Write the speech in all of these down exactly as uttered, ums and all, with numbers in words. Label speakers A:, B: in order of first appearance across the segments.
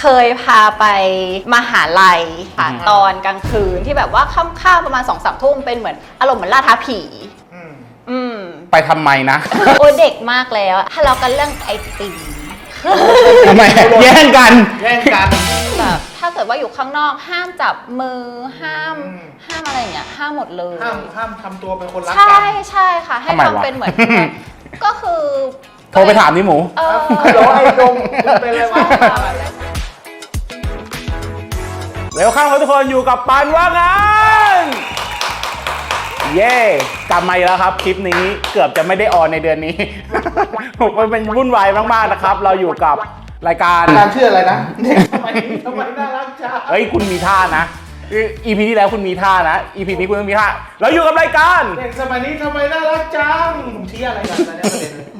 A: เคยพาไปมหาลัยค่ะตอนกลางคืนที่แบบว่าค่ำๆประมาณสองสามทุ่มเป็นเหมือนอารมณ์เหมือนล่าท้าผีอืม
B: ไปทำไมนะ
A: โอ้เด็กมากแล้วทะเลาะกันเรื่องไอติม
B: ทำไมแย่งกัน
C: แย่งกัน
A: แบบถ้าเกิดว่าอยู่ข้างนอกห้ามจับมือห้ามห้ามอะไรอย่างเงี้ยห้ามหมดเลย
C: ห้ามห้ามทำตัวเป็นคนรักกัน
A: ใช่ใช่ค่ะให้ทำเป็นเหมือนก็คือ
B: โทรไปถามนี่หมู
A: เออ
C: โดนไอ้ดงเป็นอะไรวะ
B: เวลคัมครับทุกคนอยู่กับปานว่างงานเย่กลับมาอีกแล้วครับคลิปนี้เกือบจะไม่ได้ออนในเดือนนี้มันเป็นวุ่นวายมากๆนะครับเราอยู่กับรายการ
C: การชื่ออะไรนะเด็กทำไมทำไมน่ารักจัง
B: เฮ้ยคุณมีท่านะอีพีที่แล้วคุณมีท่านะอีพีนี้คุณต้องมีท่าเราอยู่กับรายการ
C: เด็กสมัยนี้ทำไมน่ารักจังผมชี้อะไรกันนะเนี่ยประเด็นเลย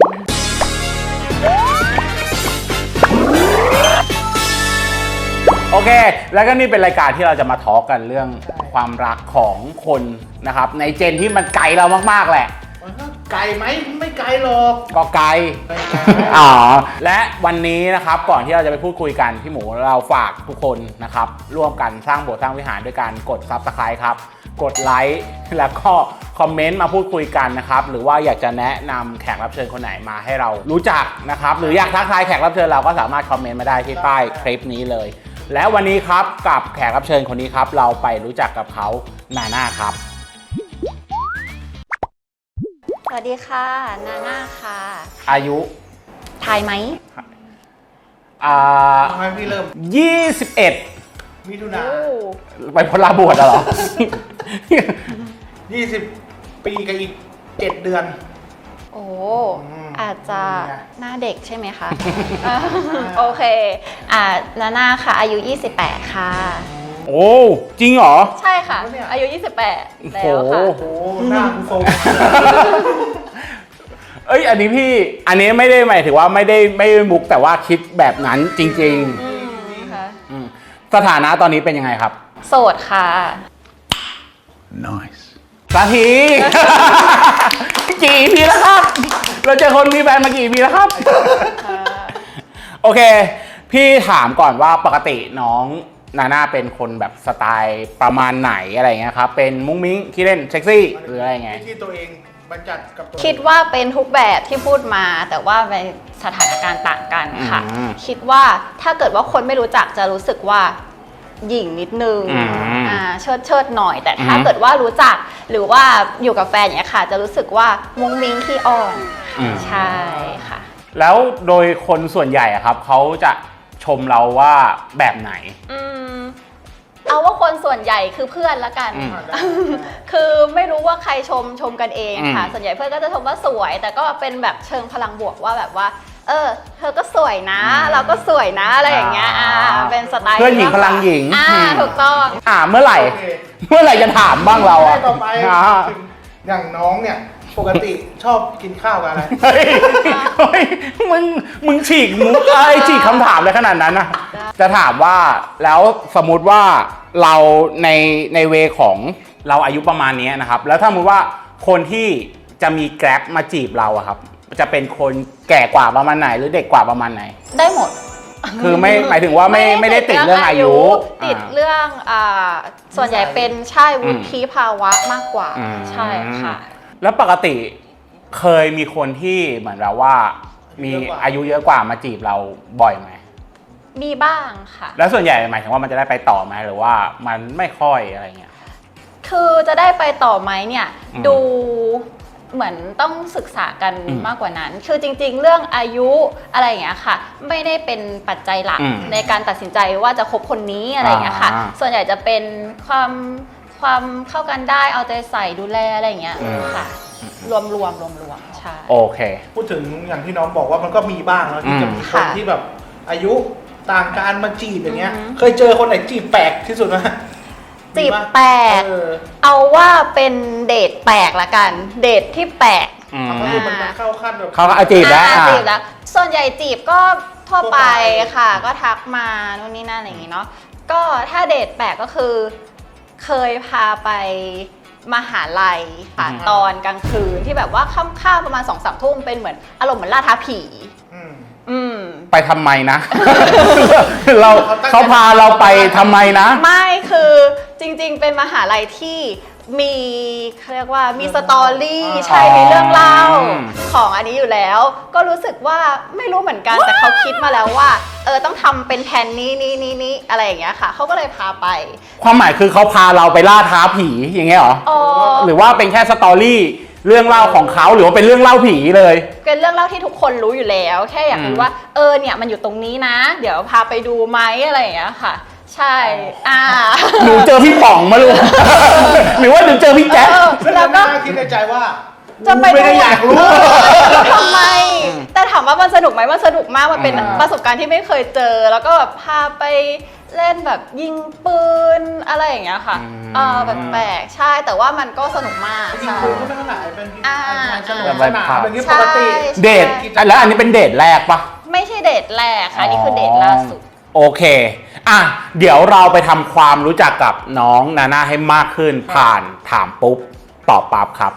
B: โอเคแล้วก็นี่เป็นรายการที่เราจะมาทอล์กกันเรื่องความรักของคนนะครับในเจนที่มันไกลเรามากๆแหละ
C: ไกลไหมไม่ไกลหรอก
B: ก็ไกลอ๋อและวันนี้นะครับก่อนที่เราจะไปพูดคุยกันพี่หมูเราฝากทุกคนนะครับร่วมกันสร้างโบสถ์สร้างวิหารด้วยการกด ซับสไครบ์ ครับกดไลค์แล้วก็คอมเมนต์มาพูดคุยกันนะครับหรือว่าอยากจะแนะนำแขกรับเชิญคนไหนมาให้เรารู้จักนะครับหรืออยากทักทายแขกรับเชิญเราก็สามารถคอมเมนต์มาได้ที่ใต้คลิปนี้เลยและวันนี้ครับกับแขกรับเชิญคนนี้ครับเราไปรู้จักกับเขานาน่าครับ
A: สวัสดีค่ะนาน่าค่ะ
B: อายุ
A: ทายไหม
B: อ่า
C: ทำไมพี่เริ่ม
B: ยี่สิบเอ็ด
C: มิถุนา
B: ไปพลาบวชเหรอ
C: ยี่สิบปีกับอีกเจ็ดเดือน
A: โอ้อาจจะหน้าเด็กใช่ไหมคะโอเคอ่านาน่าค่ะอายุยี่สิบแปดค่ะ
B: โอ้จริงเหรอ
A: ใช่ค่ะอายุยี่สิบแปดแล้วค่ะ
C: โอ้โหหน้าคุณทรง
B: เอ้ยอันนี้พี่อันนี้ไม่ได้หมายถึงว่าไม่ได้ไม่ได้มุกแต่ว่าคิดแบบนั้นจริงๆค่ะสถานะตอนนี้เป็นยังไงครับ
A: โสดค่ะ
B: nice สาธีกี่ปีแล้วครับเราเจอคนมีแฟนมากี่ปีแล้วครับโอเคพี่ถามก่อนว่าปกติน้องนาน่าเป็นคนแบบสไตล์ประมาณไหนอะไรเงี้ยครับเป็นมุ้งมิ้งขี้เล่นเซ็กซี่หรืออะไรไง
C: ที่ตัวเองบัญญัติกับตัว
A: คิดว่าเป็นทุกแบบที่พูดมาแต่ว่าในสถานการณ์ต่างกันค่ะคิดว่าถ้าเกิดว่าคนไม่รู้จักจะรู้สึกว่าหยิ่งนิดนึงอ่าเชิดเชิดหน่อยแต่ถ้าเกิดว่ารู้จักหรือว่าอยู่กับแฟนอย่างเงี้ยค่ะจะรู้สึกว่ามุ้งมิ้งขี้อ่อนใช่ค่ะ
B: แล้วโดยคนส่วนใหญ่อะครับเขาจะชมเราว่าแบบไหน
A: อืมเอาว่าคนส่วนใหญ่คือเพื่อนละกันคือไม่รู้ว่าใครชมชมกันเองค่ะส่วนใหญ่เพื่อนก็จะชมว่าสวยแต่ก็เป็นแบบเชิงพลังบวกว่าแบบว่าเออเธอก็สวยนะเราก็สวยนะอะไรอย่างเงี้ยอ่าเป็นสไตล์
B: เพื่อนหญิงพลังหญิง
A: อ่าถูกต้อง
B: อ่าเมื่อไหร่เมื่อไหร่จะถามบ้างเราอ่ะ
C: ต่อไปอย่างน้องเนี่ยปกติชอบกินข้าวกับอะไร
B: เฮ้ยมึงมึงฉีกมุกไอ้ฉีกคำถามเลยขนาดนั้นนะจะถามว่าแล้วสมมุติว่าเราในในเวของเราอายุประมาณนี้นะครับแล้วถ้าสมมติว่าคนที่จะมีแกร็บมาจีบเราอะครับจะเป็นคนแก่กว่าประมาณไหนหรือเด็กกว่าประมาณไหน
A: ได้หมด
B: คือไม่หมายถึงว่าไม่ไม่ได้ติดเรื่องอายุ
A: ติดเรื่องอ่าส่วนใหญ่เป็นใช่วุฒิภาวะมากกว่าใช่ค่ะ
B: แล้วปกติเคยมีคนที่เหมือนเราว่ามีอายุเยอะกว่ามาจีบเราบ่อยไหม
A: มีบ้างค่ะ
B: แล้วส่วนใหญ่หมายถึงว่ามันจะได้ไปต่อไหมหรือว่ามันไม่ค่อยอะไรเงี้ย
A: คือจะได้ไปต่อไหมเนี่ยดูเหมือนต้องศึกษากันมากกว่านั้นคือจริงๆเรื่องอายุอะไรอย่างเงี้ยค่ะไม่ได้เป็นปัจจัยหลักในการตัดสินใจว่าจะคบคนนี้อะไรอย่างเงี้ยค่ะส่วนใหญ่จะเป็นความความเข้ากันได้เอาใจใส่ดูแลอะไรอย่างเงี้ยค่ะรวมรวมรวมรวมใช่
B: โอเค
C: พูดถึงอย่างที่น้องบอกว่ามันก็มีบ้างแล้วที่จะมีคนที่แบบอายุต่างกันมาจีบอย่างเงี้ยเคยเจอคนไหนจีบแปลกที่สุดไหม
A: จีบแปลกเอาว่าเป็นเดทแปลกละกันเดทที่แปลก
C: ก็คือมันเข้าขั้นแบบ
B: เขาจีบแล้ว
A: จีบแล้วส่วนใหญ่จีบก็ทั่วไปค่ะก็ทักมานู่นนี่นั่นอะไรอย่างงี้เนาะก็ถ้าเดทแปลกก็คือเคยพาไปมหาลัยค่ะตอนกลางคืนที่แบบว่าค่ำๆประมาณสองสามทุ่มเป็นเหมือนอารมณ์เหมือนล่าท้าผีออืม
B: ไปทำไมนะ เราเขาพาเราไปทำไมนะ
A: ไม่คือจริงๆเป็นมหาลัยที่มีเขาเรียกว่ามีสตอรี่ใช่มีเรื่องเล่าของอันนี้อยู่แล้ว ก็รู้สึกว่าไม่รู้เหมือนกันแต่เขาคิดมาแล้วว่าเออต้องทำเป็นแผนนี้นี้นี้นี้อะไรอย่างเงี้ยค่ะเขาก็เลยพาไป
B: ความหมายคือเขาพาเราไปล่าท้าผีอย่างเงี้ยเหรอ
A: อ๋อ
B: หรือว่าเป็นแค่สตอรี่เรื่องเล่าของเขาหรือว่าเป็นเรื่องเล่าผีเลย
A: เป็นเรื่องเล่าที่ทุกคนรู้อยู่แล้ว แค่อยากรู้
B: อืม
A: ว่าเออเนี่ยมันอยู่ตรงนี้นะ เดี๋ยวพาไปดูไหมอะไรอย่างเงี้ยค่ะ ใช่อ่า
B: หนูเจอพี่ป๋องมาลูก หรือว่าหนูเจอพี่แจ๊ค
A: เออ
C: ซึ่ง
A: แล้
C: เรา
A: วก็
C: ก็คิดในใจว่า
A: จะไป
C: ไม่ได้อยากรู้
A: เออแล้วทำไม แต่ถามว่ามันสนุกไหมมันสนุกมากมันเป็น
B: อ่า
A: ประสบการณ์ที่ไม่เคยเจอ แล้วก็แบบพาไปเล่นแบบยิงปืนอะไรอย่างเงี้ยค่ะเออแปลกๆใช่แต่ว่ามันก็สนุกมาก
C: จริง
A: ใช่
C: ๆคุณก็ไม่เท่าไหร่เป็น
A: อ่า
C: สนุกสนานเป็นที่ปกติ
A: ใช่
B: เดทแล้วอันนี้เป็นเดทแรกปะ
A: ไม่ใช่เดทแรกค่ะอันนี่คือเดทล่าสุด
B: โอเค อ่ะ เดี๋ยวเราไปทำความรู้จักกับน้องนาน่าให้มากขึ้นผ่านถามปุ๊บตอบปั๊บครับ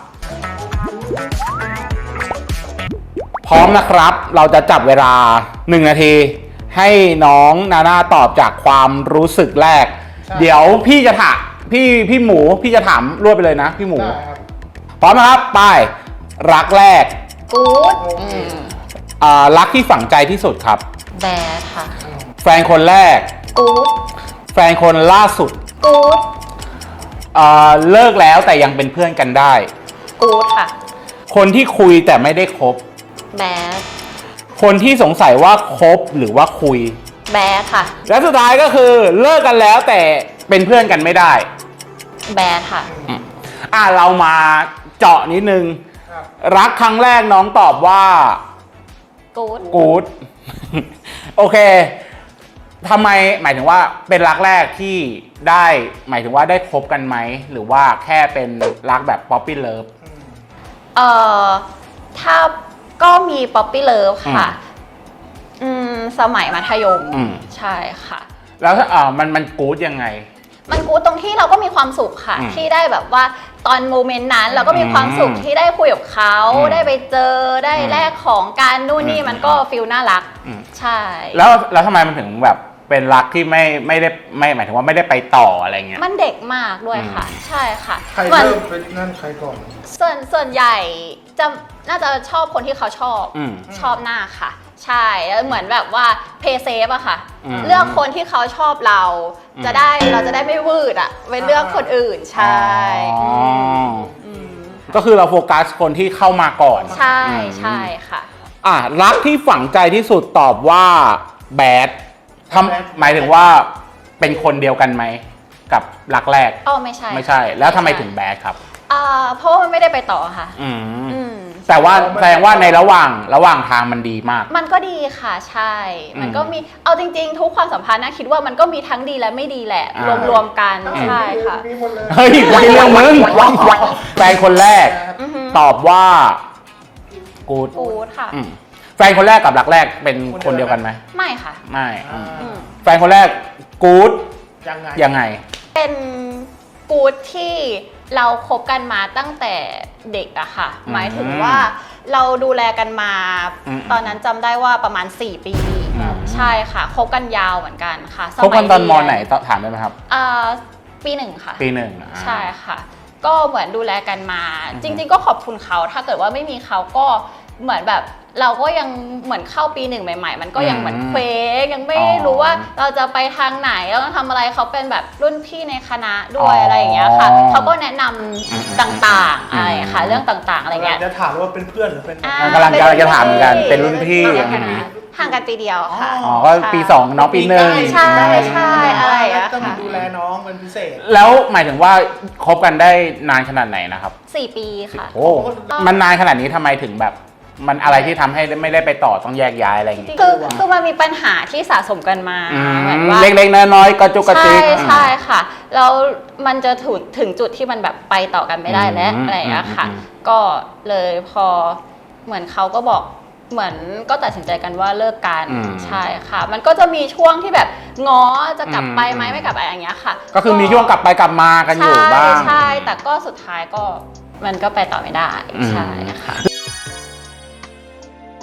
B: พร้อมนะครับ เราจะจับเวลาหนึ่งนาที ให้น้องนาน่าตอบจากความรู้สึกแรก
C: ใช่
B: เดี๋ยวพี่จะถามพี่พี่หมูพี่จะถามรวดไปเลยนะ พี่หมู
C: ได้ครับ
B: พร้อมนะครับไปรักแรก
A: กู๊ด
C: โอเค
B: อ่ารักที่ฝังใจที่สุดครับ
A: แบดค่ะ
B: แฟนคนแรก
A: กู๊ด
B: แฟนคนล่าสุด
A: กู๊ด
B: อ่าเลิกแล้วแต่ยังเป็นเพื่อนกันได้
A: กู๊ดค่ะ
B: คนที่คุยแต่ไม่ได้คบ
A: แบด
B: คนที่สงสัยว่าคบหรือว่าคุย
A: แบดค่ะ
B: และสุดท้ายก็คือเลิกกันแล้วแต่เป็นเพื่อนกันไม่ได้
A: แบดค่ะ
B: อ่ะเรามาเจาะนิดนึง
C: ครับ
B: รักครั้งแรกน้องตอบว่า
A: กู๊ด
B: กู๊ด โอเคทำไมหมายถึงว่าเป็นรักแรกที่ได้หมายถึงว่าได้คบกันไหมหรือว่าแค่เป็นรักแบบป๊อปปี้เลิฟ
A: เอ่อถ้าก็มีป๊อปปี้เลิฟค่ะ อืมสมัยมัธยม
B: อืม
A: ใช่ค่ะ
B: แล้วถ้าอ่ามันมันกู๊ดยังไง
A: มันกู๊ดตรงที่เราก็มีความสุขค่ะ
B: อืม
A: ที่ได้แบบว่าตอนโมเมนต์นั้นเราก็มีความสุข
B: อืม
A: ที่ได้คุยกับเขา
B: อืม
A: ได้ไปเจอได้
B: อืม
A: แลกของการนู่นนี่
B: อืม
A: มันก็ฟิลน่ารัก
B: อืม
A: ใช่
B: แล้วแล้วทำไมมันถึงแบบเป็นรักที่ไม่ไม่ได้ไม่หมายถึงว่าไม่ได้ไปต่ออะไรเงี้ย
A: มันเด็กมากด้วยค่ะ ใช่ค่ะ
C: ใคร
A: เหมือน
C: เริ่มเป็นนั่นใครก่อน
A: ส่วนส่วนใหญ่จะน่าจะชอบคนที่เขาชอบ
B: อืม
A: ชอบหน้าค่ะ ใช่แล้วเหมือนแบบว่าเพย์เซฟอะค่ะ
B: อืม
A: เลือกคนที่เขาชอบเรา
B: อืม
A: จะได้เราจะได้ไม่วืดอะไปเลือกคนอื่นใช่
B: อ๋อ
A: อืม
B: ก็คือเราโฟกัสคนที่เข้ามาก่อน
A: ใช่
B: อืม
A: ใช่ค่ะ
B: อ่ะรักที่ฝังใจที่สุดตอบว่าแบดท
C: แบด
B: ำหมายถึงว่าเป็นคนเดียวกันไหมกับรักแรก
A: อ๋อไม่ใช่
B: ไม่ใช่ แล้วทำไมถึงแบดครับ
A: อ่าเพราะว่ามันไม่ได้ไปต่อค่ะ
B: อืม
A: อืม
B: แต่ว่าแสดงว่าในระหว่างระหว่างทางมันดีมาก
A: มันก็ดีค่ะใช่
B: อืม
A: มันก็มีเอาจริง ๆ ทุกความสัมพันธ์นะคิดว่ามันก็มีทั้งดีและไม่ดีแหละ
B: อ่าร
A: วมๆกันใช่ค่ะ
C: มีหมดเลย
B: เฮ้ยไม่เรื่องมึงแฟนคนแรก
A: อือฮึ
B: ตอบว่ากูด
A: กู๊ดค่ะ
B: อืมแฟนคนแรกกับรักแรกเป็นคนเดียวกันไหม
A: ไม่ค่ะ
B: ไม่อืม
A: อืม
B: แฟนคนแรกกูด
C: ยังไง
B: ยังไง
A: เป็นกู๊ดที่เราคบกันมาตั้งแต่เด็กอะค่ะ
B: อืม
A: หมายถึงว่าเราดูแลกันมา
B: อืม
A: ตอนนั้นจำได้ว่าประมาณ สี่ ปี
B: อืม
A: ใช่ค่ะคบกันยาวเหมือนกันค่ะ
B: คบกันตอนม
A: เรีย
B: ไหนตอนถามได้ไหมครับ
A: อ่าปีหนึ่งค่ะ
B: ปีหนึ่งอ่า
A: ใช่ค่ะ ก็เหมือนดูแลกันมา
B: อือฮึ
A: จริง ๆ ก็ขอบคุณเขา ถ้าเกิดว่าไม่มีเขาก็เหมือนแบบเราก็ยังเหมือนเข้าปีหนึ่งใหม่ ๆ มันก็ยังเหมือนเคว้งยังไม่รู้ว่าเราจะไปทางไหนเราต้องทำอะไรเขาเป็นแบบรุ่นพี่ในคณะด้วยอะไรอย่างเงี้ยค่ะเขาก็แนะนำต่างๆอะไรค่ะเรื่องต่างๆอะไรเงี้ย
C: จะถามว่าเป็นเพื่อนหรือเป็น
A: อ่า
B: กำลังกำลังจะถามเหมือนกันเป็นรุ่นพี่
A: เป็
B: อื
A: น
B: ม
A: ห่างกันปีเดียวค่ะ
B: อ๋อก็ปีสองน้องปีหนึ่ง
A: ใช่ใช่อะไรอย่างเงี้ย
C: ต้อง
A: ค่ะ
C: ดูแลน้องเป็นพิเศษ
B: แล้วหมายถึงว่าคบกันได้นานขนาดไหนนะครับ
A: สี่ปีค่ะ
B: โอ้มันนานขนาดนี้ทำไมถึงแบบ มันอะไรที่ทำให้ไม่ได้ไปต่อต้องแยกย้ายอะไรอย่างงี้
A: คือคือมันมีปัญหาที่สะสมกันมา
B: อืม
A: เหมือนว่า
B: เล็กๆน้อยๆกระจุกกระจิ
A: ใช่
B: ก
A: ใช่ค่ะแล้วมันจะถึงถึงจุดที่มันแบบไปต่อกันไม่ได้แล้ว
B: อืม
A: อะไรอย่างเงี้ยค่ะ
B: อืมอืม
A: ก็เลยพอเหมือนเขาก็บอกเหมือนก็ตัดสินใจกันว่าเลิกกัน
B: อืม
A: ใช่ค่ะ มันก็จะมีช่วงที่แบบง้อจะกลับไปไหม
B: อืม
A: ไม่กลับไปอย่างเงี้ยค่ะ
B: ก็คือมีช่วงกลับไปกลับมากันอยู่บ้าง
A: ใช่ใช่แต่ก็สุดท้ายก็มันก็ไปต่อไม่ได้
B: อืม
A: ใช่ค่ะ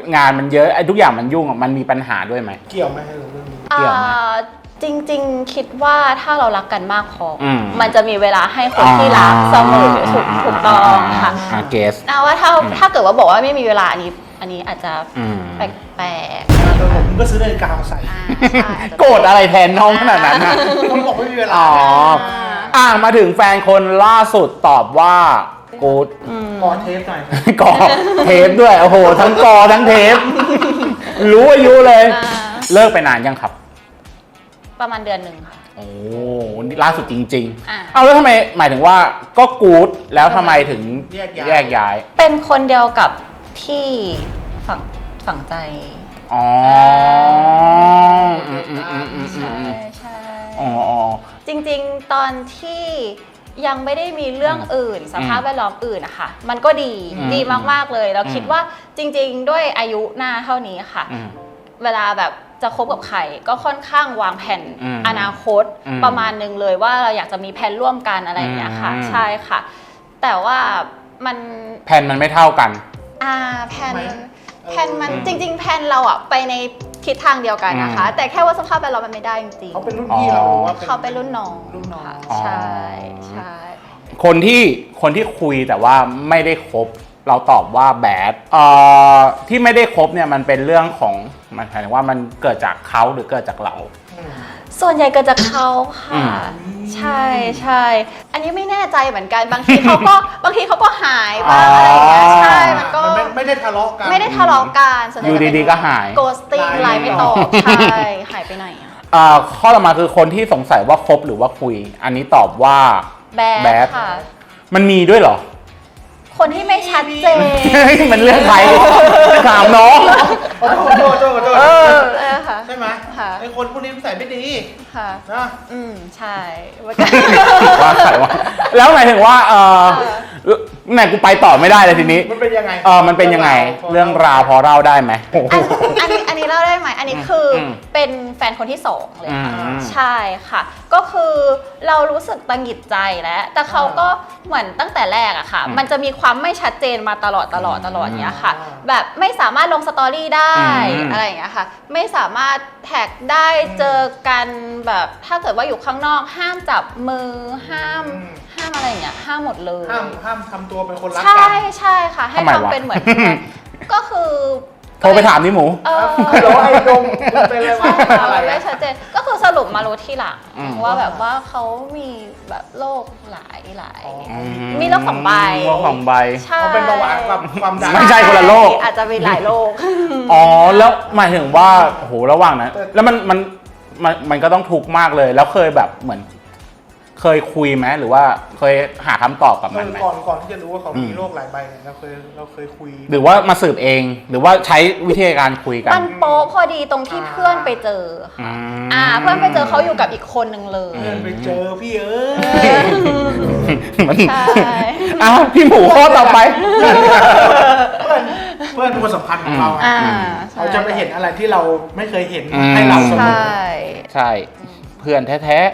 B: งานมันเยอะไอ้ทุกอย่างมันยุ่งอะมันมีปัญหาด้วยไหม
C: เกี่ยวไหมให้เราเรื่องนี้
B: เกี่ยวไหม
A: อ่าจริงๆคิดว่าถ้าเรารักกันมากพออ
B: ม
A: มันจะมีเวลาให้คนที่รักเสมอถูกถูกต้องค่ะ
B: อ่าเกส
A: นะว่าถ้า
B: อืม
A: ถ้าเกิดว่าบอกว่าไม่มีเวลาอันนี้ อันนี้อาจจะ
B: อืม
A: แปลก
C: แต่ผมก็ซื้อนาฬิกามาใส่
A: ๆอ่าใช่อาจจะ
B: โกรธอะไรแทนน้องขนาดนั้นนะ
C: ผมบอกไม่มีเวลา
B: อ๋อ อ่ามาถึงแฟนคนล่าสุดตอบว่ากูด
C: ขอเทปหน่อย
B: กอเทปด้วย โอ้โห ทั้งกอทั้งเทป รู้อายุเลย
A: อ่า
B: เลิกไปนานยังครับ
A: ประมาณเดือนหนึ่งค่ะ
B: โอ้นี่ล่าสุดจริง
A: อ่า
B: ๆ เอาแล้วทำไมหมายถึงว่าก็กูดแล้วทำไมถึง
C: แยกย้าย
B: แยกย้าย
A: เป็นคนเดียวกับที่ฝังฝังใจ
B: อ๋ออืมอืมอืมอืมอื
A: ใช่
B: ม
A: ใช่
B: อ๋ออ๋อ
A: จริงๆ ตอนที่ยังไม่ได้มีเรื่องอื่น สภาพแวดล้อมอื่นนะคะมันก็ดี
B: อืม
A: ดีมากๆเลย เรา
B: อืม
A: คิดว่าจริงๆ ด้วยอายุหน้าเท่านี้ค่ะ
B: อืม
A: เวลาแบบจะคบกับใครก็ค่อนข้างวางแผน
B: อืม
A: อนาคต
B: อืม
A: ประมาณหนึงเลยว่าเราอยากจะมีแผนร่วมกันอะไรอย่างเงี้ยค่ะ
B: อืม
A: ใช่ค่ะ แต่ว่ามัน
B: แผ่นมันไม่เท่ากัน
A: อ่าแผน
C: ทำไม
A: แผนมัน
B: อืม
A: จริง ๆ แผนเราอะไปในทิศทางเดียวกันนะคะ
B: อืม
A: แต่แค่ว่าสภาพแวดล้อมมันไม่ได้จริง
C: เขาเป็นรุ่นพี่เราหรือว่า
A: ๆเขาเป็นรุ่นน้อง
C: รุ่นน้อง
A: ค่ะ
B: อ๋อ
A: ใช่ใช่
B: คนที่คนที่คุยแต่ว่าไม่ได้คบ เราตอบว่าแบดเอ่อที่ไม่ได้คบเนี่ยมันเป็นเรื่องของมันหมายถึงว่ามันเกิดจากเขาหรือเกิดจากเรา
C: อืม
A: ส่วนใหญ่เกิดจากเขาค่ะ
B: อืม
A: ใช่ใช่อันนี้ไม่แน่ใจเหมือนกันบางทีเขาก็ บางทีเขาก็หายบ้างอะไรอย่างเงี้ยใช่มันก็
C: มันไม่ไม่ได้ทะเลาะกัน
A: ไม่ได้ทะเลาะกันส่วนใหญ่
B: อยู่ดีๆก็หาย
A: โกสติ้ง
C: ไล
A: ไล
C: น์
A: น์
C: ไม่
A: ไม่
C: ต
A: ต
C: อ
A: อบ บใช่หายไปไหนอะ
B: เอ่อข้อต่อมาคือคนที่สงสัยว่าคบหรือว่าคุย อันนี้ตอบว่า
A: แบ
B: แบด
A: ดค่ะ
B: มันมีด้วยเหรอ
A: คนที่ไม่ชัดเจน
B: มันเรื่องใครถามน้อง
C: ขอโทษขอโทษขอโทษขอโทษ
B: เออ
A: เออค่ะ
C: ใช่ไหม
A: ค่ะ
C: ไอ้คนพวกนี้มันใส่ไม่ดี
A: ค่ะ
C: นะ
A: อืมใช่มันก็
B: ว่าใครวะแล้วหมายถึงว่าเออไหนกูไปต่อไม่ได้เลยทีนี้
C: มันเป็นยังไง
B: เออมันเป็นยังไง เรื่องราวพอเล่าได้ไหม
A: อันอันนี้อันนี้เล่าได้ไหมอันนี้คืออ
B: ม
A: เป็นแฟนคนที่สองเลยค่ะ
B: อืม
A: ใช่ค่ะ ก็คือเรารู้สึกตังหงิดใจแล้ว แต่เขาก็เหมือนตั้งแต่แรกอะค่ะ
B: อืม
A: มันจะมีความไม่ชัดเจนมาตลอดตลอดตลอด
B: อืม
A: เนี้ยค่ะ แบบไม่สามารถลงสตอรี่ได้
B: อืม
A: อะไรอย่างเงี้ยค่ะ ไม่สามารถแท็กได้เจอกันแบบถ้าเกิดว่าอยู่ข้างนอกห้ามจับมือห้าม
C: อืม
A: ห้ามอะไรอย่างเงี้ยห้ามหมดเลย
C: ห้ามห้ามทำตัวเป็นคนรัก
A: ใช่
C: กัน
A: ใช่ค่ะ ให้
B: ทำไมวะ
A: ทำเป็นเหมือน ก็คือ
B: โทรไปถามนี่หมู
A: เออ
C: ฮัลโหลไอ้ดงมันเป็นอะไรวะ
A: ใช่ค่ะ
C: อะไร
A: มันไม่
C: อะ
A: ชัดเจนก็คือสรุปมารู้ที่หลัง
B: อืม
A: ว่าแบบว่าเขามีแบบโรคหลายหลาย
C: อ๋อ
A: มีโรคสองใบ
B: โรคสองใบ
A: ใช่
C: เขาเป็นเบาหวานกับความดัน
B: ไม่ใช่คนละโรค
A: อาจจะมีหลายโรค
B: อ๋อแล้วหมายถึงว่าโอ้โหระหว่างนั้น แล้วมันมันมันมันก็ต้องทุกข์มากเลย แล้วเคยแบบเหมือน เคยคุยไหมหรือว่าเคยหาคำตอบกับ
C: เอ
B: มัน
C: อ
B: ไหม
C: ก่อนก่อนที่จะรู้ว่าเขา
B: อื
C: มี
B: ม
C: โรคหลายใบเนี่ยเราเคยเราเคยคุย
B: หรือว่ามาสืบเอง หรือว่าใช้วิธีการคุยกัน
A: มันโป๊ะพอดีตรงที่เพื่อนไปเจอ
B: อื
A: ค่ะ
B: ม
A: อ่าเพื่อนไปเจอเขาอยู่กับอีกคนหนึ่งเลย
C: เพื่อนไปเจอพี่เอ้ย
B: มัน
A: ใช่
B: อ้าวพี่หมูข้อต่อไป
C: เพื่อนเพื่อนเป็นคนสำคัญของเรา
A: อ่า
C: อะ
A: ใช่
C: เขาจะไปเห็นอะไรที่เราไม่เคยเห็น
B: อืม
C: ให้เราเสม
A: ใช่
C: อ
B: ใช่ เพื่อนแท้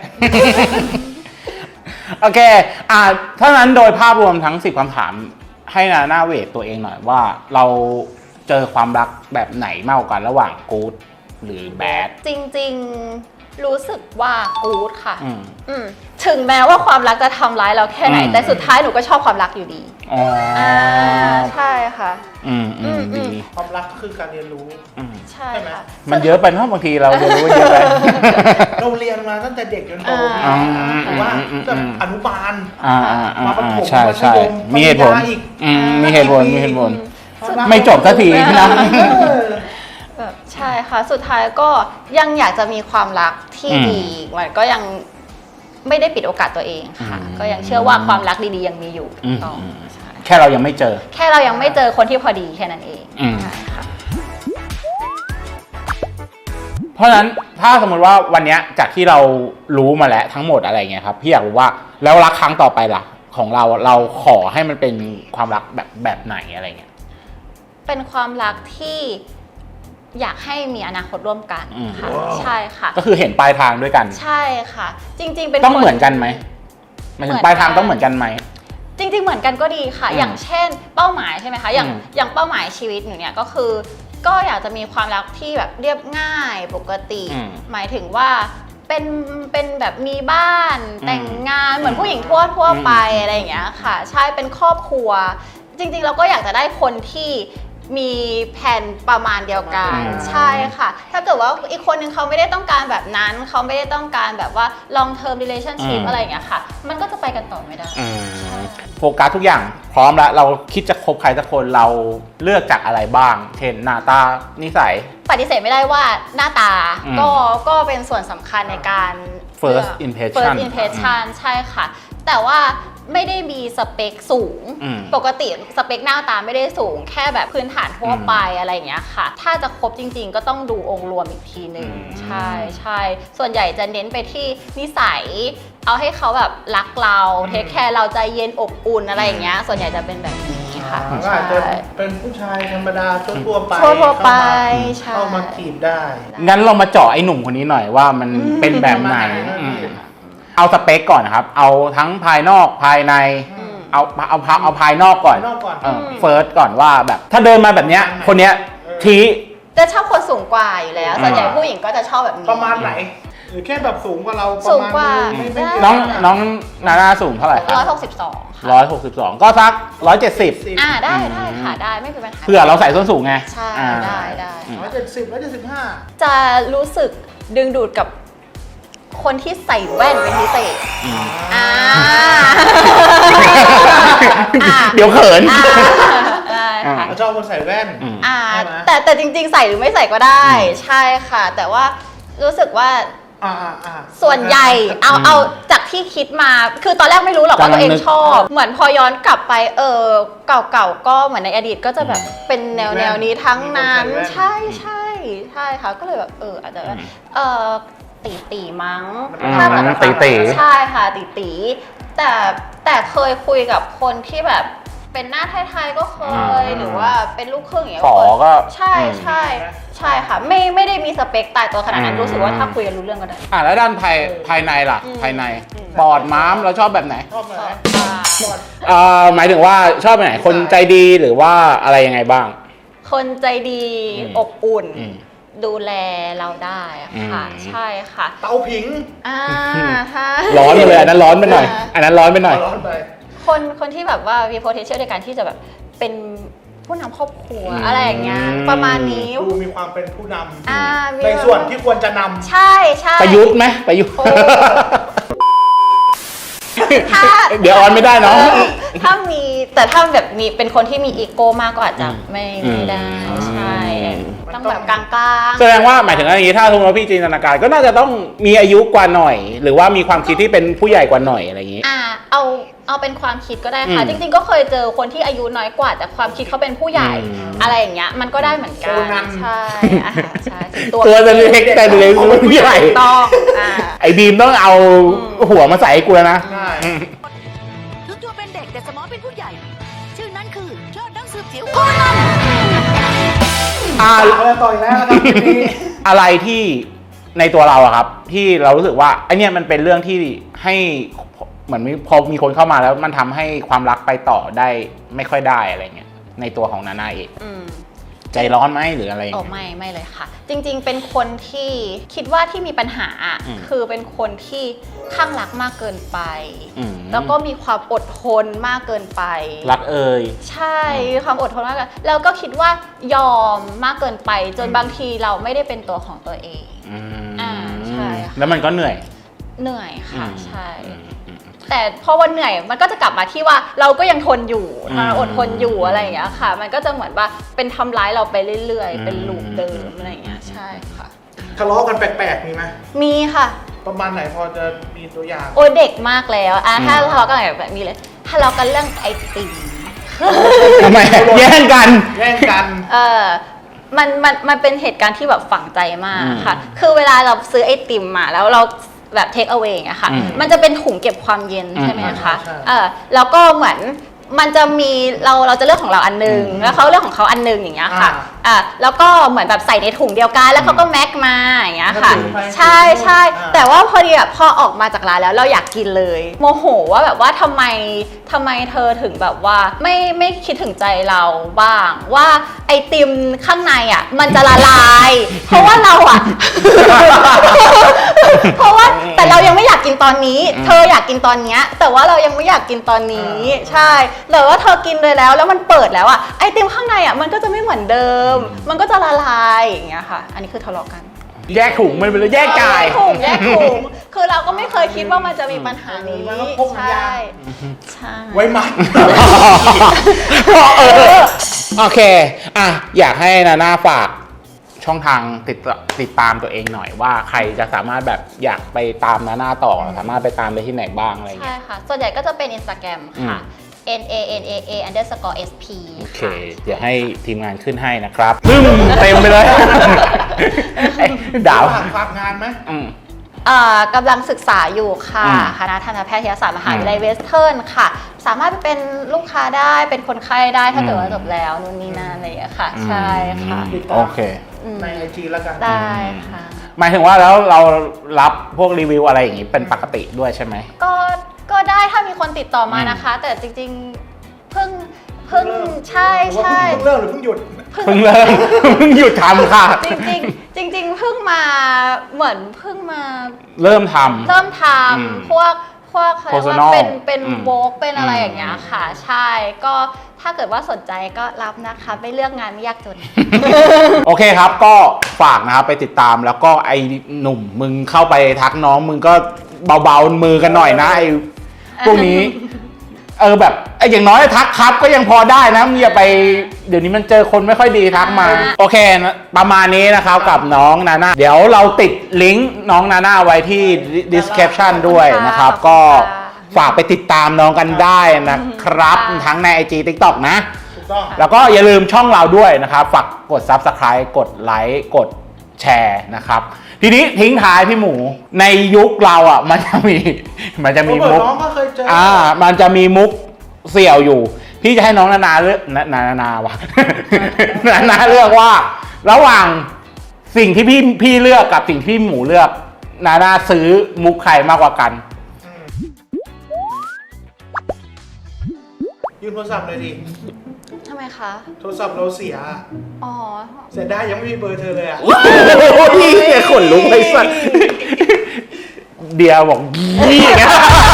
B: ๆ โอเค อ่าถ้านั้นโดยภาพรวมทั้งสิบคำถามให้นาหน้าเวทตัวเองหน่อยว่าเราเจอความรักแบบไหนมากกว่ากันระหว่างกู๊ดหรือแบด
A: จริงๆรู้สึกว่ากู๊ดค่ะ
B: อืม
A: อืมถึงแม้ว่าความรักจะทำร้ายเราแค่ไหน
B: อืม
A: แต่สุดท้ายหนูก็ชอบความรักอยู่ดี
B: อ๋ออ่
A: าใช่ค่ะ
B: อืมอืม
A: อืม
B: ดี
C: ความรักก็คือการเรียนรู้
B: อืม
A: ใช่ค่ะ
B: มันเยอะไปเนอะบางทีเราเรียนรู้เยอะไป
C: เราเรียนมาตั้งแต่เด็กจนโต
A: อ่า
C: หรือว่า
B: อืมอืมอืม
C: แบบอนุบาล
B: อ่าอ่าอ่า
C: มาประถม
B: ใช่ใช่
C: มัธยม
B: มีเหตุผล
C: ปัญญาอีก
B: อืมมีเหตุผลมีเหตุผล
C: ความรัก
B: ไม่จบสักทีนะ
C: เออ
A: แบบใช่ค่ะ สุดท้ายก็ยังอยากจะมีความรักที่
B: อืม
A: ดีมันก็ยังไม่ได้ปิดโอกาสตัวเองค่ะ
B: อืม
A: ก็ยังเชื่อว่าความรักดีๆยังมีอยู่
B: อืม
A: ต่ออ
B: ม
A: ใช่
B: แค่เรายังไม่เจอ
A: แค่เรายังไม่เจอคนที่พอดีแค่นั้นเอง
B: อืม
A: ใช่ค่ะ
B: เพราะฉะนั้นถ้าสมมติว่าวันเนี้ยจากที่เรารู้มาแล้วทั้งหมดอะไรเงี้ยครับพี่อยากรู้ว่าแล้วรักครั้งต่อไปล่ะ ของเราเราขอให้มันเป็นความรักแบบแบบไหนอะไรเงี้ย
A: เป็นความรักที่อยากให้มีอนาคตร่วมกัน
B: อืม
A: ค่ะใช่ค่ะ
B: ก็คือเห็นปลายทางด้วยกัน
A: ใช่ค่ะ จริง ๆ เป็น
B: ต้อง
A: ค
B: เหมือนกันไหมหมายถึงปลายทางต้องเหมือนกันไหม
A: จริง ๆ เหมือนกันก็ดีค่ะ
B: อืม
A: อย่างเช่น เป้าหมายใช่ไหมคะอย่าง
B: อืม
A: อย่างเป้าหมายชีวิตหนูเนี่ยก็คือก็อยากจะมีความรักที่แบบเรียบง่ายปกติ
B: อืม
A: หมายถึงว่าเป็นเป็นแบบมีบ้าน
B: อืม
A: แต่งงานเหมือนผู้หญิงทั่วทั่ว
B: อืม
A: ไปอะไรอย่างเงี้ยค่ะใช่เป็นครอบครัว จริงๆเราก็อยากจะได้คนที่มีแผนประมาณเดียวกัน
B: อืม
A: ใช่ค่ะ ถ้าเกิดว่าอีกคนนึงเขาไม่ได้ต้องการแบบนั้นเขาไม่ได้ต้องการแบบว่า long term relationship
B: อืม
A: อะไรอย่างเงี้ยค่ะ มันก็จะไปกันต่อไม่ได้
B: อืมโฟกัสทุกอย่างพร้อมแล้วเราคิดจะคบใครสักคนเราเลือกจากอะไรบ้าง เช่นหน้าตานิสัย
A: ปฏิเสธไม่ได้ว่าหน้าตา
B: อืม
A: ก็ก็เป็นส่วนสำคัญในการ
B: First
A: เลือก
B: impression
A: first impression ใช่ค่ะ แต่ว่าไม่ได้มีสเปคสูง
B: อืม
A: ปกติสเปคหน้าตาไม่ได้สูง แค่แบบพื้นฐานทั่วไปอะไรอย่างเงี้ยค่ะ ถ้าจะคบจริงๆ ก็ต้องดูองค์รวมอีกทีหนึ่ง
B: อืม
A: ใช่ใช่ส่วนใหญ่จะเน้นไปที่นิสัย เอาให้เขาแบบรักเราเทคแคร์เราใจเย็นอบอุ่นอะไรอย่างเงี้ยส่วนใหญ่จะเป็นแบบนี้ค่ะ
C: ก็อาจจะเป็นผู้ชายธรรมดาทั่วๆไป
A: ทั่วๆไป
C: เข้ามา
A: ใช่
C: เข้ามาจีบได้
B: งั้นเรามาเจาะไอ้หนุ่มคนนี้หน่อยว่ามันเป็นแบบไหน
C: อืม
B: อืมเอาสเปคก่อนนะครับ เอาทั้งภายนอกภายใน
A: อืม
B: เอาเอาเอาเอาภายนอกก่อน
C: ภายนอกก่อน
B: เฟิร์สก่อนว่าแบบ ถ้าเดินมาแบบเนี้ย คนเนี้ยที
A: จะชอบคนสูงกว่าอยู่แล้ว ส่วนใหญ่
B: อ่า
A: ผู้หญิงก็จะชอบแบบนี้
C: ประมาณไหน หรือแค่แบบสูงกว่าเราประ
A: สูง
C: มาณ
A: กว่า
C: นึงไม่ไม่
A: ได้
B: น้องน้องนานาสูงเท่าไหร่ครั
A: ร้อย
B: บ
A: หกสิบสองค่ะ
B: ร้อยหกสิบสองก็สักร้อยเจ็ดสิบ
C: สิบ
A: อ่าได้
B: อืม
A: ได้ค่ะได้ไม่เป็นปัญหา
B: เผื่อเราใส่ส้นสูงไง
A: ใช่
B: อ่า
A: ได้ได้
B: อืม
C: ร้อยเจ็ดสิบร้อยเจ็ดสิบห้า
A: จะรู้สึกดึงดูดกับคนที่ใส่แว่นเป็นพิเศษ
B: อืม
A: อ่า
B: เดี๋ยวเขิน
A: อ่าได้ค่ะ
C: เราชอบคนใส่แว่น
B: อืม
A: อ่า
C: ใช่ไหม
A: แต่แต่จริงๆ ใส่หรือไม่ใส่ก็ได้
B: อืม
A: ใช่ค่ะ แต่ว่ารู้สึกว่า
C: อ่าอ่าอ่า
A: ส่วนใหญ่เอา
B: อืม
A: เอาจากที่คิดมา คือตอนแรกไม่รู้หรอกว่า
B: กำลัง
A: ตัวเอง
B: นึก
A: ชอบ เหมือนพอย้อนกลับไปเออเก่าๆก็เหมือนในอดีตก็จะแบบเป็นแนวแนวนี้ทั้งนั้น ใช่ใช่ใช่ค่ะ ก็เลยแบบเอออาจจะเออตีตีมั้ง
B: อืม
A: ถ้าแบบ
B: ตีตี
A: ใช่ค่ะตีตีแต่แต่เคยคุยกับคนที่แบบเป็นหน้าไทยๆก็เคย
B: อืม
A: หรือว่าเป็นลูกครึ่งอย่างเงี้ย
B: ขอก็
A: ใช่ใช่ใช่ค่ะ ไม่ไม่ได้มีสเปคตายตัวขนาดนั้น
B: อืม
A: รู้สึกว่าถ้าคุยกันรู้เรื่องก็ได้
B: อ่ะแล้วด้านภายภายในล่ะ
A: อืม
B: ภายใน
A: อืม
B: ปอดม้ามเราชอบแบบไหน
C: ชอบไหม
A: อ่า
C: ก่อน
B: เอ่อหมายถึงว่าชอบแบบไหน คนใจดีหรือว่าอะไรยังไงบ้าง
A: คนใจดี
B: อืม
A: อบอุ่น
B: อืม
A: ดูแลเราได้ค่ะ
B: อืม
A: ใช่ค่ะ
C: เตาผิง
A: อ่าค่ะ
B: ร้อนไปเลยอันนั้นร้อนไปหน่อย
A: อ่า
B: อันนั้นร้อนไปหน่อย
C: ร้อนไป
A: คนคนที่แบบว่ามี potential ในการที่จะแบบเป็นผู้นำครอบครัว
B: อืม
A: อะไรอย่างเงี้ยประมาณนี้
C: ดูมีความเป็นผู้น
A: อ่ามี
C: ำในส่วนที่ควรจะนำ
A: ใช่ใช่
B: ประยุทธ์ไหมประยุทธ์
A: โอ้ ถ้า
B: เดี๋ยวออนไม่ได้เนาะ
A: เออถ้ามีแต่ถ้าแบบมีเป็นคนที่มีอีโก้มากก็อาจจะไม่
B: อืม
A: ไม่ได้
B: อืม
A: ใช่
C: มัน
A: ต้อง
C: ต้อง
A: แบบกลางๆ
B: แสดงว่าหมายถึงว่าอย่างนี้ถ้าสมมติว่าพี่จินตนาการก็น่าจะต้องมีอายุกว่าหน่อย หรือว่ามีความคิดที่เป็นผู้ใหญ่กว่าหน่อยอะไรอย่างนี้
A: อ่าเอาเอาเป็นความคิดก็ได้ค่ะ
B: อืม
A: จริงๆ ก็เคยเจอคนที่อายุน้อยกว่า แต่ความคิดเขาเป็นผู้ใหญ่
B: อืม
A: อะไรอย่างเงี้ยมันก็ได้เหมือนกัน
C: โคนัน
A: ใช่อ่าใช่ถึง
B: ตัวจะเล็กแต่เล็กผู้ใหญ่
A: ต้องอ่า
B: ไอ้บีมต้องเอาหัวมาใส่ให้กูแล้วนะ
C: ใช่
B: อืม
D: ถึงตัวเป็นเด็กแต่สมองเป็นผู้ใหญ่ ชื่อนั้นคือยอดนักสืบจิ๋วโคนัน
B: อ่า
C: เอาแล้วต่อยแล้วนะครับทีนี้
B: อะไรที่ในตัวเราอะครับ ที่เรารู้สึกว่าไอเนี้ยมันเป็นเรื่องที่ให้เหมือนมีพอมีคนเข้ามาแล้วมันทำให้ความรักไปต่อได้ไม่ค่อยได้อะไรเงี้ยในตัวของนานาเอง
A: อืม
B: ใจร้อนไหมหรืออะไรอย่าง
A: โอ้
B: เงี้ย
A: ไม่ไม่เลยค่ะ จริงๆ เป็นคนที่คิดว่าที่มีปัญหาอ่ะ
B: อืม
A: คือเป็นคนที่ข้างรักมากเกินไป
B: อืม
A: แล้วก็มีความอดทนมากเกินไป
B: รักเอ่ย
A: ใช่ความอดทนมากเกินแล้วก็คิดว่ายอมมากเกินไป จนบางทีเราไม่ได้เป็นตัวของตัวเอง
B: อืม
A: อ่าใช่ค่ะ
B: แล้วมันก็เหนื่อย
A: เหนื่อยค่ะ
B: อืม
A: ใช่
B: อืมอืม
A: แต่พอวันเหนื่อยมันก็จะกลับมาที่ว่าเราก็ยังทนอยู่
B: อืม
A: ถ้าอดทนอยู่อะไรอย่างเงี้ยค่ะ มันก็จะเหมือนว่าเป็นทำร้ายเราไปเรื่อย
B: อืม
A: ๆ เป็นลูปเดิมอะไรอย่างเงี้ยใช่ค่ะ
C: ทะเลาะกันแปลกๆมีไหม
A: มีค่ะ
C: ประมาณไหนพอจะมีตัวอย่าง
A: โอ้ยเด็กมากแล้วอ่ะ
B: อืม
A: ถ้าทะเลาะกันแบบนี้เลยทะเลาะกันเรื่องไอติม
B: ทำไมแย่งกัน
C: แย่งกัน
A: เออมันมันมันเป็นเหตุการณ์ที่แบบฝังใจมาก
B: อืม
A: ค่ะ คือเวลาเราซื้อไอติมมาแล้วเราแบบเทคเอา a y อะค่ะ
B: อืม
A: มันจะเป็นถุงเก็บความเย็น
B: อืม
A: ใช่ไหมคะ
C: ใช่
A: เออแล้วก็เหมือนมันจะมีเราเราจะเลือกของเราอันหนึงแล้วเขาเลือกของเขาอันหนึงอย่างเงี้ยค่ะอ่าแล้วก็เหมือนแบบใส่ในถุงเดียวกันแล้วเขาก็แม็กมาอย่างเงี้ยค่ะใช่ใช่แต่ว่าพอดีแบบพอออกมาจากร้านแล้วเราอยากกินเลยโมโหว่าแบบว่าทำไมทำไมเธอถึงแบบว่าไม่ไม่คิดถึงใจเราบ้างว่าไอติมข้างในอ่ะมันจะละลาย เพราะว่าเราอ่ะ เพราะว่าแต่เรายังไม่อยากกินตอนนี้ เธออยากกินตอนเนี้ยแต่ว่าเรายังไม่อยากกินตอนนี้ใช่แต่ว่าเธอกินเลยแล้วแล้วมันเปิดแล้วอ่ะไอติมข้างในอ่ะมันก็จะไม่เหมือนเดิม มันก็จะละลายอย่างเงี้ยค่ะ อันนี้คือทะเลาะกัน
B: แยกถุงมันเป็นแยกจ่าย
A: แยกถุงแยกถุงคือเราก็ไม่เคยคิดว่ามันจะมีปัญหานี้
C: มันก็พกมันยา
A: ใช่
C: ก
A: ใช่
C: ไว้มัด
B: เออโอเคอ่ะอยากให้นาน่าฝากช่องทางติดติดตามตัวเองหน่อยว่าใครจะสามารถแบบอยากไปตามนาน่าต่อสามารถไปตามได้ที่ไหนบ้างอะไรอย่าง
A: ใช่
B: เงี้ย
A: ค่ะ ส่วนใหญ่ก็จะเป็น Instagram ค่ะ n a n a a underscore s p
B: โอเค เดี๋ยวให้ทีมงานขึ้นให้นะครับซึ่งเต็มไปเลยดาว
C: ฝากฝากงานไหม
B: อืม
A: เอ่อกำลังศึกษาอยู่ค่ะ
B: อืม
A: คณะทันตแพทยศาสตร์มหาวิทยาลัยเวสเทิร์นค่ะ สามารถไปเป็นลูกค้าได้เป็นคนไข้ได้ถ้าเกิดว่าจบแล้วนู่นนี่นั่นอะไรอย่างเงี้ยค่ะ ใช่ค่ะ
B: อืมโอเค
A: อืม
C: ในไอจีแล้วกัน
A: ได้ค่ะ
B: หมายถึงว่าแล้วเรารับพวกรีวิวอะไรอย่างงี้เป็นปกติด้วยใช่ไหม
A: ก็ก็ได้ถ้ามีคนติดต่อมานะคะ แต่จริงๆเพิ่งเพิ่งใช่ใช่
C: เพิ่งเลิกหรือเพิ่งหยุด
B: เพิ่งเริ่ม เพิ่งหยุดทำค่ะ
A: จริงๆจริง ๆ เพิ่งมาเหมือนเพิ่งมา
B: เริ่มทำ
A: เริ่มท
B: อืม
A: ำพวกพวกเขาเรียกว่า
B: Personal
A: เป็นเป็น
B: อืม
A: โวกเป็นอะไร
B: อืม
A: อย่างเงี้ยค่ะ ใช่ก็ถ้าเกิดว่าสนใจก็รับนะคะไม่เลือกงานไม่ยากจน
B: โอเคครับก็ฝากนะครับไปติดตามแล้วก็ไอ้หนุ่มมึงเข้าไปทักน้องมึงก็เบาๆมือกันหน่อยนะไอ้พวกนี้ เออแบบไอ้อย่างน้อยทักครับก็ยังพอได้นะมึงอย่าไปเดี๋ยวนี้มันเจอคนไม่ค่อยดีทักมา โอเคนะประมาณนี้นะครับกับน้องนาน่าเดี๋ยวเราติดลิงก์น้องนาน่าไว้ที่ description ด้วยนะครับ
A: ขอบคุณค่ะ
B: ก็ฝากไปติดตามน้องกันได้นะครับ
A: ค่ะ
B: ทั้งใน ไอ จี TikTok นะ
C: ถูกต้อง
B: แล้วก็อย่าลืมช่องเราด้วยนะครับ ฝากกด Subscribe กดไลค์กดแชร์นะครับ ทีนี้ทิ้งท้ายพี่หมูในยุคเราอ่ะ มันจะมีมันจะมี
C: โรเบิ
B: มุ
C: ร์
B: ก
C: ตน้องก็เคยเจอ
B: อ่า มันจะมีมุกเสี่ยวอยู่ พี่จะให้น้องนานาเลือกนานานา วะ นานาเลือกว่า ระหว่างสิ่งที่พี่พี่เลือกกับสิ่งที่พี่หมูเลือก นานาซื้อมุกใครมากกว่ากัน
C: ยืมโทรศัพท์เลยดิ
A: ทำไมคะ
C: โทรศัพท์เราเสีย
A: อ๋อ
C: เสียได้ยังไม่มีเบอร์เธอเลยอ่ะ
B: โอ้ยเนี่ยขนลุกไปสัตว์เดียบอกยี่นะ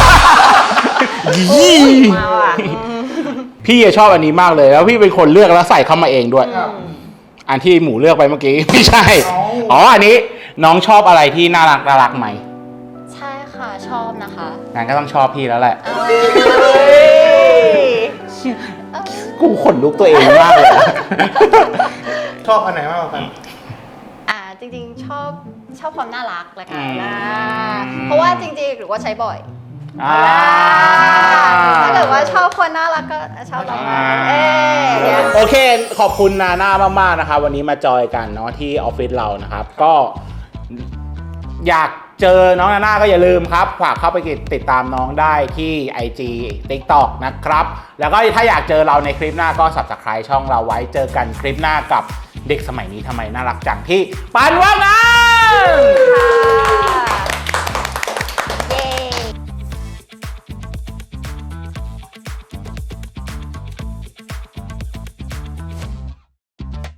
B: ยี่
A: มาว่ะ
B: พี่ชอบอันนี้มากเลยแล้วพี่เป็นคนเลือกแล้วใส่เข้ามาเองด้วย
C: ครับ
B: อันที่หมูเลือกไปเมื่อกี้ ไม่ใช่
C: อ๋อ
B: อ๋ออันนี้น้องชอบอะไรที่น่ารักน่ารักไหม
A: ใช่ค่ะชอบนะคะ
B: งั้นก็ต้องชอบพี่แล้วแหละ
A: เอ้ย
B: กูขนลุกตัวเองมากเลย
C: ชอบอันไหนมากกว่ากัน
A: อ่าจริงๆชอบชอบความน่ารักแหละกัน
B: อืม
A: นะเพราะว่าจริงๆหรือว่าใช้บ่อย
B: อ่า
A: ถ้าเกิดว่าชอบคนน่ารักก็ชอบเรา
B: อ่า
A: เอ๊ะ
B: โอเค ขอบคุณนาน่ามากๆนะครับ วันนี้มาจอยกันเนาะที่ออฟฟิศเรานะครับ ก็อยากเจอน้องนาน่าก็อย่าลืมครับ ฝากเข้าไปติดตามน้องได้ที่ ไอ จี TikTok นะครับ แล้วก็ถ้าอยากเจอเราในคลิปหน้าก็ Subscribe ช่องเราไว้เจอกันคลิปหน้ากับเด็กสมัยนี้ทำไมน่ารักจังที่ปันว่างงาน
A: ค่ะ